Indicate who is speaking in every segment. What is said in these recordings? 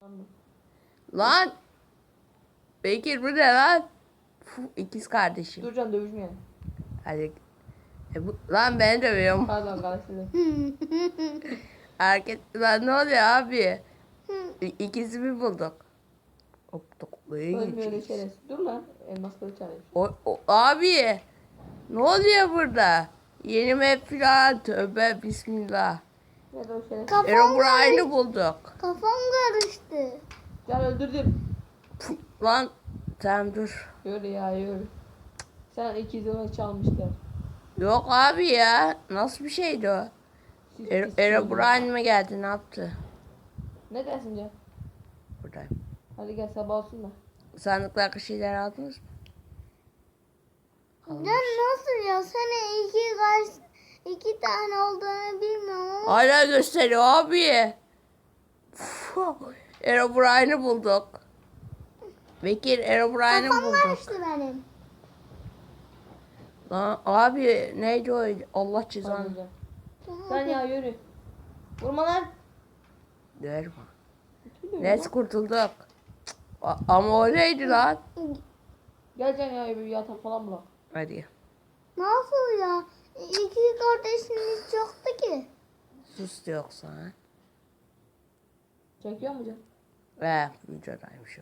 Speaker 1: Lan. Bekir bu ne lan? İkiz kardeşim.
Speaker 2: Dur can dövüşmeyelim.
Speaker 1: Hadi. Lan beni dövüyorum.
Speaker 2: Pardon karıştırdım.
Speaker 1: Lan ne oluyor abi? İkisini bulduk.
Speaker 2: Ölmüyor öyle şerefsiz. Dur lan. Elmas kılıç alayım.
Speaker 1: Abi. Ne oluyor burada? Yeni map falan. Tövbe bismillah.
Speaker 2: Ne de o şerefsiz.
Speaker 1: Herobrine'i bulduk.
Speaker 3: Kafam karıştı.
Speaker 2: Can öldürdüm.
Speaker 1: Lan tamam dur.
Speaker 2: Yürü ya yürü. Sen ikizini çalmışlar.
Speaker 1: Yok abi ya. Nasıl bir şeydi o?
Speaker 2: Siz
Speaker 1: Herobrine mi geldi, ne yaptı?
Speaker 2: Ne dersin Can?
Speaker 1: Buradayım.
Speaker 2: Hadi gel sabah olsun da.
Speaker 1: Sandıklardaki şeyler aldınız mı?
Speaker 3: Ya nasıl ya? Sana iki tane olduğunu bilmiyorum ama.
Speaker 1: Hala gösteriyor abi. Herobrine'i bulduk. Bekir Herobrine'i
Speaker 3: Kafam
Speaker 1: bulduk.
Speaker 3: karıştı benim.
Speaker 1: Lan abi neydi o? Allah
Speaker 2: Pardon
Speaker 1: cezanı.
Speaker 2: Can. Sen ya yürü. Vurma lan.
Speaker 1: Ver bana. Neyse kurtulduk. Ama o neydi lan?
Speaker 2: Gel Can ya bir yatak falan bırak.
Speaker 1: Hadi.
Speaker 3: Nasıl ya? İki kardeşimiz yoktu ki.
Speaker 1: Sus yoksa ha.
Speaker 2: Çekiyor mu Can?
Speaker 1: Videodaymış o.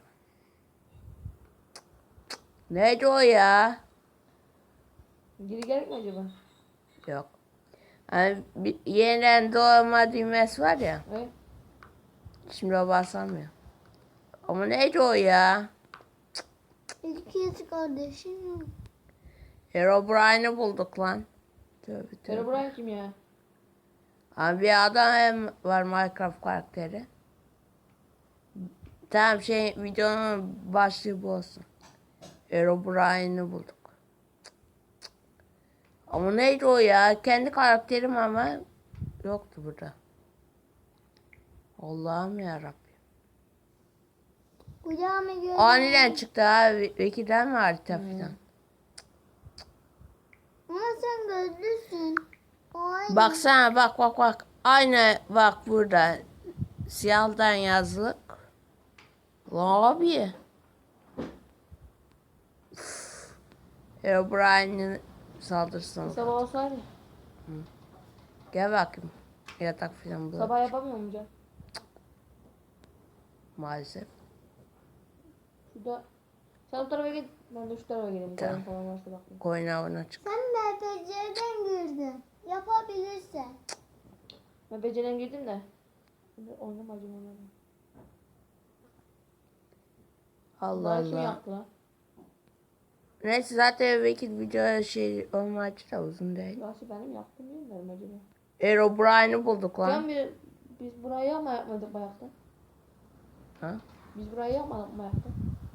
Speaker 1: Neydi o ya?
Speaker 2: Geri gerek mi acaba?
Speaker 1: Yok. Hani yeniden doğma düğmesi var ya.
Speaker 2: Evet.
Speaker 1: Şimdi o basamıyor. Ama neydi o ya?
Speaker 3: İki kardeşim yok.
Speaker 1: Herobrine'i bulduk lan. Tövbe tövbe.
Speaker 2: Herobrine kim ya?
Speaker 1: Abi bir adam hem var, Minecraft karakteri. Tamam videonun başlığı bu olsun. Herobrine'i bulduk. Ama neydi o ya? Kendi karakterim ama yoktu burada. Allah'ım yarabbim.
Speaker 3: Kucağıma göre.
Speaker 1: Aniden çıktı abi. Vekilden mi harita falan?
Speaker 3: Ama sen gözlüsün. O aynı.
Speaker 1: Baksana bak. Aynı bak burada. Siyahdan yazlık. Lan abi. Herobrine'in saldırısına.
Speaker 2: Sabah olsaydı.
Speaker 1: Gel bakayım. Yatak falan bul.
Speaker 2: Sabah yapamıyor mu Can?
Speaker 1: Maalesef.
Speaker 2: Şurada. Sen bu tarafa git. Ben de şu tarafa geleyim.
Speaker 1: Tamam.
Speaker 2: Tamam. Falan varsa bakayım.
Speaker 1: Koyun avına çık.
Speaker 3: Sen MPC'den girdin. Yapabilirsen.
Speaker 2: Ben becerem girdim de. Şimdi oynamacım onları.
Speaker 1: Allah
Speaker 2: Bunları kim
Speaker 1: Allah.
Speaker 2: yaptı lan?
Speaker 1: Neyse zaten vekil video olmaçı da uzun değil.
Speaker 2: Gerçi benim yaptım bilmiyorum acaba.
Speaker 1: Herobrine'i bulduk lan.
Speaker 2: Can biz burayı ama yapmadık bayakta.
Speaker 1: Ha?
Speaker 2: Biz burayı yapmadık bayakta.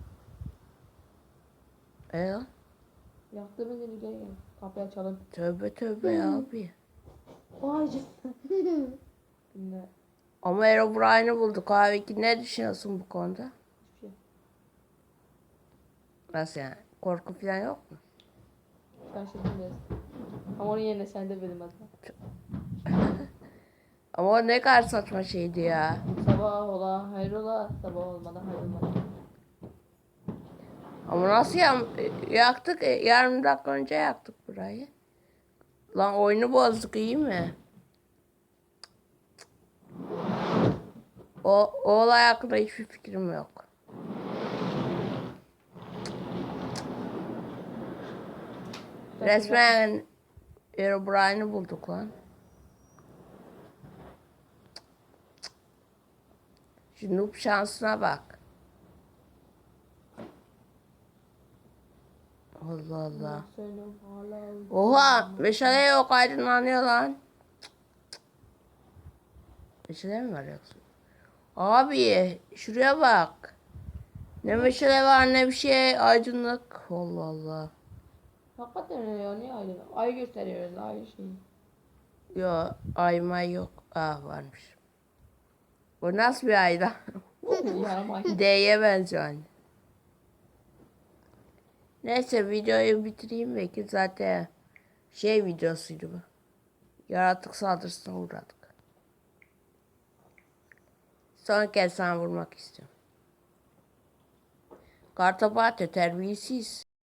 Speaker 1: Lan?
Speaker 2: Yaktığımız yeri gel gel. Kapıyı açalım.
Speaker 1: Tövbe ya abi.
Speaker 2: Vay canına. Şimdi
Speaker 1: Ama Herobrine'i bulduk abi. Ne düşünüyorsun bu konuda?
Speaker 2: hiçbir şey.
Speaker 1: Nasıl yani? Korku falan yok mu?
Speaker 2: Şaşırdım biraz. Ama onun yerine sen de benim adına.
Speaker 1: Ama o ne kadar saçma şeydi ya.
Speaker 2: Sabah ola hayrola. Sabah olmadan hayrola.
Speaker 1: Ama nasıl yaktık? Yarım dakika önce yaktık burayı. Lan oyunu bozduk, iyi mi? O olay hakkında hiçbir fikrim yok. Resmen Herobrine'i bulduk lan. Şu noob şansına bak. Allah Allah.
Speaker 2: Senin hala.
Speaker 1: Oha! Meşale yok, aydınlanıyor lan. Meşale mi var yoksa? Abi şuraya bak. Ne meşale var ne bir şey, aydınlık. Allah Allah.
Speaker 2: Hakikaten öyle ya. Niye aydın? Ay gösteriyoruz ay şeyi.
Speaker 1: Yo, ay may yok. Varmış. Bu nasıl bir ayda?
Speaker 2: Yarım ay.
Speaker 1: D'ye benziyor anne. Neyse videoyu bitireyim belki, zaten videosuydu bu. Yaratık saldırısına uğradık. Son kez sana vurmak istiyorum. Kartopu atıyor terbiyesiz.